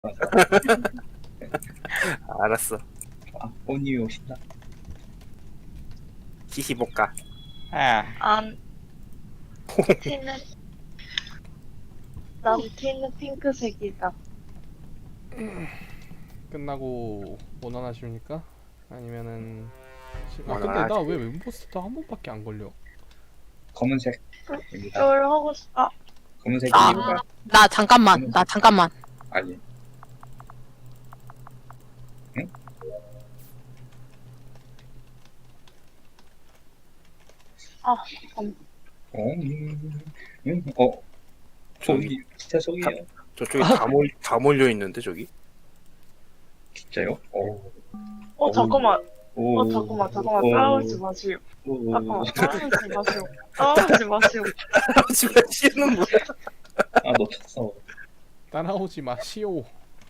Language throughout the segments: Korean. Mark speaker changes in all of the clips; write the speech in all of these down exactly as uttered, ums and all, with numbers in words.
Speaker 1: 맞아.
Speaker 2: 알았어.
Speaker 1: 아, 꽃님이 오신다.
Speaker 2: 히히볶아.
Speaker 3: 아,
Speaker 4: 안 티는 난 티는 핑크색이다.
Speaker 3: 끝나고 원원하십니까? 아니면은 지- 아 근데
Speaker 2: 원원하지.
Speaker 3: 나 왜 멤버스터 한 번밖에 안 걸려?
Speaker 1: 검은색입니다.
Speaker 4: 쫄 하고 싶. 아,
Speaker 1: 검은색입니다.
Speaker 5: 나 잠깐만, 나 잠깐만.
Speaker 1: 아니. 응?
Speaker 4: 아, 잠깐.
Speaker 1: 어, 음, 음, 어, 속이 진짜 속이에요.
Speaker 2: 저쪽에 다, 몰, 다 몰려 있는데 저기.
Speaker 1: 진짜요? 어,
Speaker 4: 어 잠깐만.
Speaker 1: 오,
Speaker 4: 어 잠깐만 잠깐만
Speaker 1: 오,
Speaker 4: 따라오지 마시오.
Speaker 1: 오,
Speaker 4: 잠깐만 따라오지 마시오. 따라오지 마시오.
Speaker 2: 집에 씨는 뭐야?
Speaker 1: 아, 놓쳤어.
Speaker 3: 따라오지 마시오.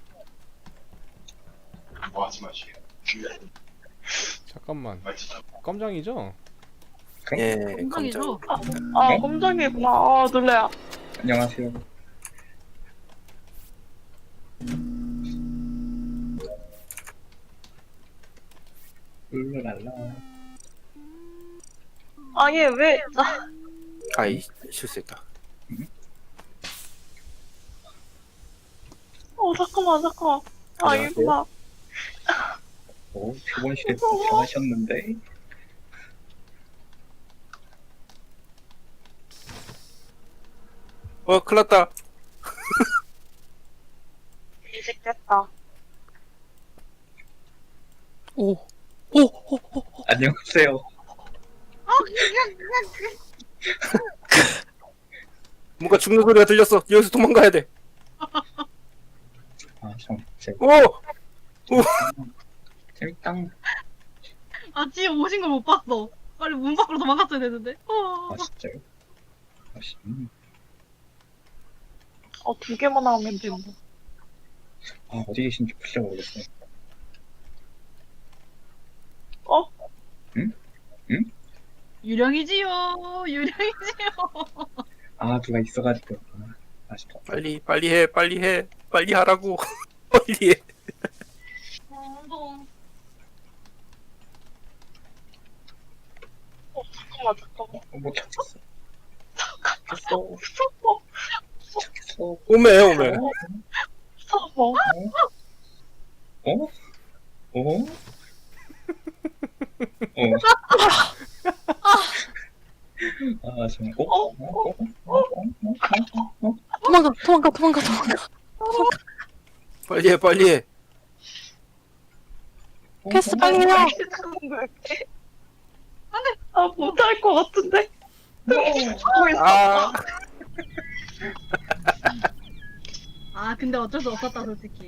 Speaker 6: 뭐 하지 마시오.
Speaker 3: 잠깐만. 깜장이죠?
Speaker 2: 예,
Speaker 5: 건강이죠?
Speaker 2: 검정.
Speaker 4: 아
Speaker 1: 네?
Speaker 4: 깜짝이구나. 아 놀래야.
Speaker 1: 안녕하세요. 룰루랄라.
Speaker 4: 아니 왜? 나
Speaker 2: 아이 실수했다.
Speaker 4: 어 잠깐만 잠깐만. 아
Speaker 2: 안녕하세요.
Speaker 4: 이구나.
Speaker 1: 오, 표본실에 변하셨는데.
Speaker 2: 어, 큰일났다.
Speaker 4: 이직 됐다.
Speaker 5: 오, 오, 오, 오.
Speaker 1: 안녕하세요.
Speaker 2: 뭔가 죽는 소리가 들렸어. 여기서 도망가야 돼.
Speaker 1: 아, 참, 재,
Speaker 2: 오,
Speaker 1: 재밌다.
Speaker 7: 아, 지금 오신 걸 못 봤어. 빨리 문 밖으로 도망갔어야 되는데. 어.
Speaker 1: 아, 진짜요? 아, 씨, 음.
Speaker 4: 어두 개만 하면 된다.
Speaker 1: 아, 어디 계신지 진짜 모르겠어요.
Speaker 4: 어?
Speaker 7: 유령이지요. 유령이지요.
Speaker 1: 아, 누가 있어가지고. 아, 아쉽다.
Speaker 2: 빨리 빨리 해, 빨리 해, 빨리 하라고. 빨리 해.
Speaker 7: 운동.
Speaker 4: 어 잠깐만 잠깐만.
Speaker 1: 어, 못 찾겠어. 찾겠어.
Speaker 4: 무서워.
Speaker 1: 찾겠어.
Speaker 2: 오메 오메.
Speaker 4: 무서워.
Speaker 1: 어? 어? 어? 아, 정말. 어? 어? 어? 어? 어? 어? 어?
Speaker 5: 도망가, 도망가, 도망가, 도망가.
Speaker 2: 빨리 해, 빨리 해.
Speaker 5: 캐스 빨리 해요.
Speaker 4: 아 못할 것 같은데. 하고 있어.
Speaker 2: 아,
Speaker 7: 아, 근데 어쩔 수 없었다, 솔직히.